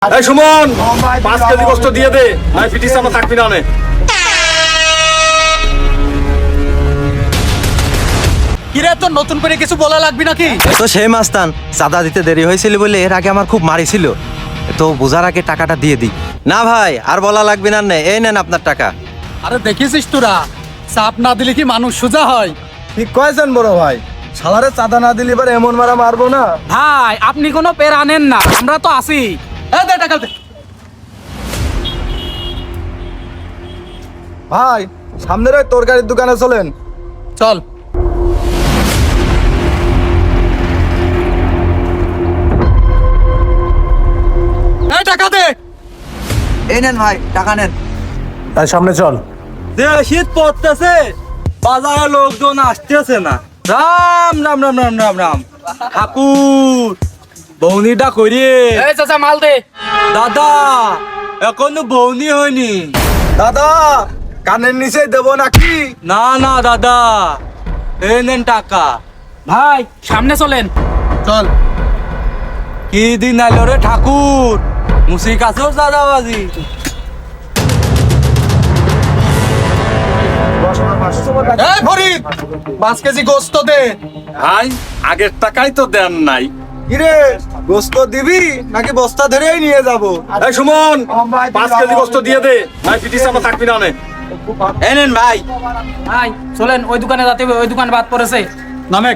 এই সুমন 5 কেজি গোশত দিয়ে দে, নাই পিটিস আমরা থাকবি না নে। কিরে তোর নতুন করে কিছু বলা লাগবে নাকি? তো সেই মাস্তান চাঁদা দিতে দেরি হয়েছিল বলে এর আগে আমার খুব মারিছিল, তো বোঝার আগে টাকাটা দিয়ে দিই। না ভাই আর বলা লাগবে না, এই নেন আপনার টাকা। আরে দেখেছিস তোরা, চাপ না দিলে কি মানুষ সোজা হয়? ঠিক কয়েছেন বড় ভাই, শালারে চাঁদা না দিলে এবার এমন মারা মারবো না। ভাই আপনি কোনো পের আনেন না, আমরা তো আছি। এই দে টাকা দে। ভাই সামনের ওই তরকারির দোকানে চলেন। চল। এই টাকা দে। এই নেন ভাই টাকা নেন। তাই সামনে চল। শীত পড়তেছে, বাজারে লোকজন আসতেছে না। রাম রাম রাম রাম রাম রাম ঠাকুর বৌনিটা করিয়ে। এই চাচা মাল দে। দাদা এখনো বৌনি হয়নি। দাদা কানের নিচে দেবো নাকি? না না দাদা, এই নেন টাকা। ভাই সামনে চলেন। চল। কি দিন আইলো রে ঠাকুর, মুসির কাছেও দাদাবাজি। এই ফরিদ 5 কেজি গোশত দে। ভাই আগের টাকাই তো দেন নাই। কিরে গোস্ত দিবি নাকি বস্তা ধরেই নিয়ে যাবো? এই সুমন 5 কেজি গোশত দিয়ে দে, নাই পিটিস আমরা থাকবি না নে। এই নেন ভাই। ভাই চলেন, ওই দোকানে যাতে হবে, ওই দোকান বাদ পড়েছে। নামেক।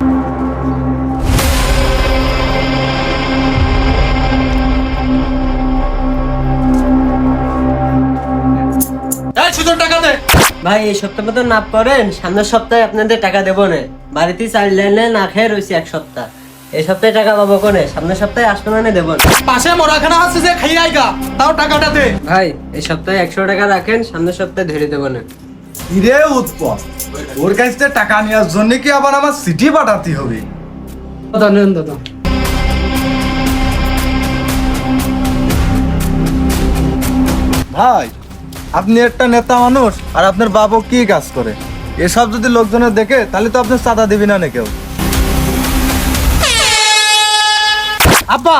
এই সুজন টাকা দে। ভাই এই সপ্তাহ মতো না করেন, সামনের সপ্তাহে আপনাদের টাকা দেবো না। বাড়িতে চাল ডালে না খেয়ে রয়েছি এক সপ্তাহ। এই সপ্তাহে টাকা পাবো কোনে, সামনের সপ্তাহে আসবে না দেবো না। পাশে মোরাখানা আছে যে খাই আইগা, তাও টাকাটা দে। ভাই এই সপ্তাহে 100 টাকা রাখেন, সামনের সপ্তাহে ধরে দেবো না। কিরে উৎপল, ওর কাছ থেকে টাকা নেওয়ার জন্য কি আবার আমার সিটি পাঠাতে হবে? ধন্যবাদ। ভাই আপনি একটা নেতা মানুষ, আর আপনার বাবু কি কাজ করে? এসব যদি লোকজনের দেখে তাহলে তো আপনি চাঁদা দিবি না কেউ। আব্বা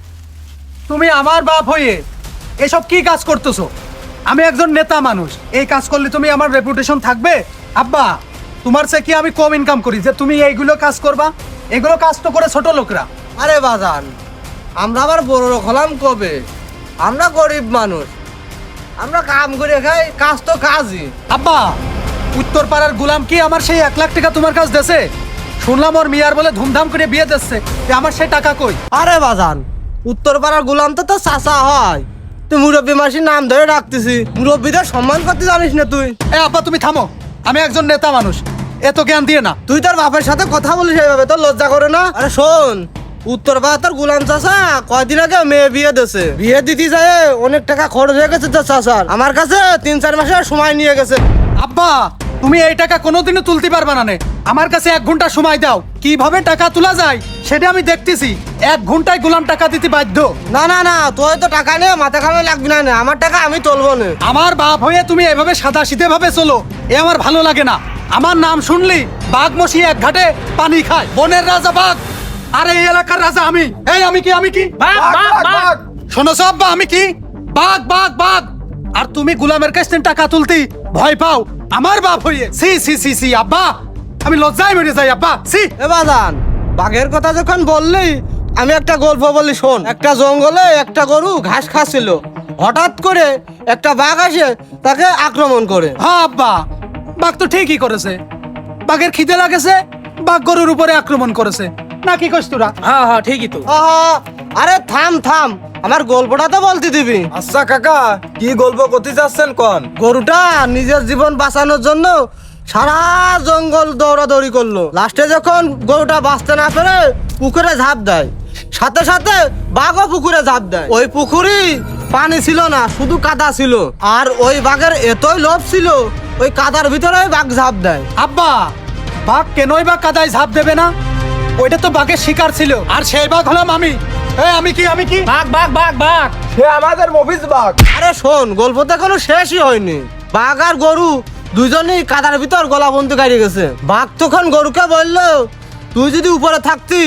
তুমি আমার বাপ হয়ে এসব কি কাজ করতেছো? আমি একজন নেতা মানুষ, এই কাজ করলে তুমি আমার রেপুটেশন থাকবে? আব্বা তোমার চেয়ে কি আমি কম ইনকাম করি যে তুমি এইগুলো কাজ করবা? এগুলো কাজ তো করে ছোট লোকরা। আরে বাজান, আমরা আবার বড় লোক হলাম কবে? আমরা গরিব মানুষ, আমরা কাম করে খাই, কাজ তো কাজই। আব্বা উত্তর পাড়ার গুলাম কি আমার সেই 1 লাখ টাকা তোমার কাছে দেছে? শুনলাম ওর মিয়ার বলে ধুমধাম করে বিয়ে দিচ্ছে, আমার সেই টাকা কই? আরে বাজান, উত্তর পাড়ার গুলাম তো তোর চাচা হয়। তুই মুরব্বী মাসির নাম ধরে রাখতেছি, মুরব্বীদের সম্মান করতে জানিস না তুই? এ আব্বা তুমি থামো, আমি একজন নেতা মানুষ, এত জ্ঞান দিয়ে না। তুই তোর বাপের সাথে কথা বলিস এইভাবে, তোর লজ্জা করে না? আরে শোন, উত্তর পাড়া তোর গুলাম চাচা কয়দিন আগে মেয়ে বিয়ে দিছে, বিয়ে দিতে যায় অনেক টাকা খরচ হয়ে গেছে তোর চাচার। আমার কাছে 3-4 মাসের সময় নিয়ে গেছে। আব্বা তুমি এই টাকা কোনোদিনও তুলতে পারবে না নে। আমার কাছে 1 ঘন্টা সময় দাও, কিভাবে টাকা তোলা যায় সেটা আমি দেখতেছি। 1 ঘন্টায় গোলাম টাকা দিতে বাধ্য। না না না, তুই তো টাকা নিয়ে মাথা খামে লাগবি না, আমার টাকা আমি তুলবো না। আমার বাপ হয়ে তুমি এভাবে সাদা সিধে ভাবে চলো, এ আমার ভালো লাগে না। আমার নাম শুনলি বাঘ মশি এক ঘাটে পানি খায়, বনের রাজা বাঘ, আর এই এলাকার রাজা আমি। এই আমি কি বাঘ বাঘ বাঘ। শোনোছো আব্বা, আমি কি বাঘ বাঘ বাঘ। আর তুমি গোলামের কাছ থেকে টাকা তুলতে ভয় পাও আমার বাপ হয়ে? সি সি সি সি আব্বা, আমি লজ্জায় মরে যাই আব্বা। সি এ বাজান, বাঘের কথা যখন বললি আমি একটা গল্প বলি শোন। একটা জঙ্গলে একটা গরু ঘাস খাচ্ছিল, হঠাৎ করে একটা বাঘ আসে তাকে আক্রমণ করে। হ্যাঁ আব্বা, বাঘ তো ঠিকই করেছে, বাঘের খিদে লাগেছে, বাঘ গরুর উপরে আক্রমণ করেছে, না কি কইছ তোরা? হ্যাঁ হ্যাঁ ঠিকই তো। আহা, আরে থাম থাম, আমার গল্পটা তো বলতে দিবি। আচ্ছা কাকা, কি গল্প করতে যাচ্ছেন কোন? গরুটা নিজের জীবন বাঁচানোর জন্য সারা জঙ্গল দৌড়াদৌড়ি করলো। লাস্টে যখন গরুটা বাঁচতে না পেরে পুকুরে ঝাঁপ দেয়, সাথে সাথে বাঘও পুকুরে ঝাঁপ দেয়। ওই পুকুরি পানি ছিল না, শুধু কাদা ছিল। আর ওই বাঘের এতই লোভ ছিল, ওই কাদার ভিতরে বাঘ ঝাঁপ দেয়। আব্বা বাঘ কেনই বা কাদায় ঝাঁপ দেবে না? ওইটা তো বাঘের শিকার ছিল, আর সেই বাঘ হলাম আমি। আমি কি বাঘ বাঘ বাঘ বাঘ। সে আমাদের মফিজ বাঘ। আরে শোন, গল্প তো এখনো শেষই হয়নি। বাঘ আর গরু দুজনেই কাদার ভিতর গলা বন্ধু গাড়িয়ে গেছে। বাঘ তখন গরুকে বললো, তুই যদি উপরে থাকতি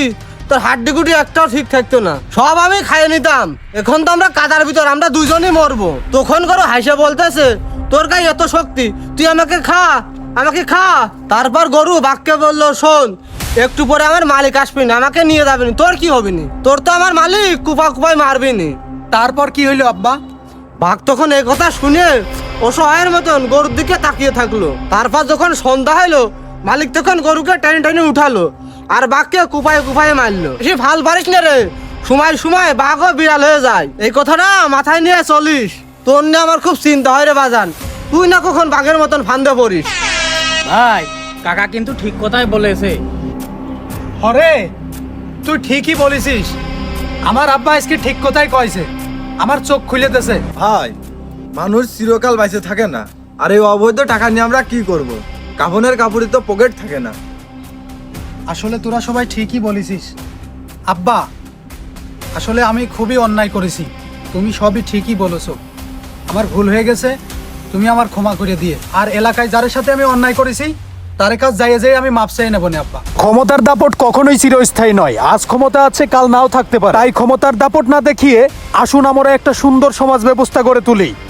তোর হাড্ডি গুটি একটাও ঠিক থাকতো না, সব আমি খাইয়ে নিতাম। এখন তো আমরা কাদার ভিতর, আমরা দুজনই মরবো। তখন করো হাসে বলতেছে তোর গায়ে এত শক্তি, তুই আমাকে খা, আমাকে খা। তারপর গরু বাঘকে বললো শোন, একটু পরে আমার মালিক আসবি না, আমাকে নিয়ে যাবি না, তোর কি হবে নি, তোর তো আমার মালিক কুপা কুপায় মারবি নি। তারপর কি হইলো আব্বা? বাঘ তখন এই কথা শুনে অসহায়ের মতন গরুর দিকে তাকিয়ে থাকলো। তারপর যখন সন্ধ্যা হলো, মালিক তখন গরুকে টেনে টেনে উঠালো আর বাঘকে কুপায় কুপায় মারলো। সে ফাল পারিস না রে, সময় সময় বাঘও বিড়াল হয়ে যায়, এই কথাটা মাথায় নিয়ে চলিস। তোর নিয়ে আমার খুব চিন্তা হয় রে বাজান, তুই না কখন বাঘের মতন ফান্দে পড়িস। ভাই কাকা কিন্তু ঠিক কথাই বলেছে। হরে তুই ঠিকই বলেছিস, আমার আব্বা আজকে ঠিক কথাই কইছে, আমার চোখ খুলে দিয়েছে। ভাই, মানুষ চিরকাল বাইসে থাকে না, আর এই অবৈধ টাকা নিয়ে আমরা কি করব? কাফনের কাপড়ে তো পকেট থাকে না। আসলে তোরা সবাই ঠিকই বলেছিস আব্বা, আসলে আমি খুবই অন্যায় করেছি, তুমি সবই ঠিকই বলেছো, আমার ভুল হয়ে গেছে, তুমি আমার ক্ষমা করে দিয়ে। আর এলাকায় যার সাথে আমি অন্যায় করেছি তার কাছে যাইয়ে যাই আমি মাপ চাই নেব না আব্বা। ক্ষমতার দাপট কখনোই চিরস্থায়ী নয়, আজ ক্ষমতা আছে কাল নাও থাকতে পারে, তাই ক্ষমতার দাপট না দেখিয়ে আসুন আমরা একটা সুন্দর সমাজ ব্যবস্থা গড়ে তুলি।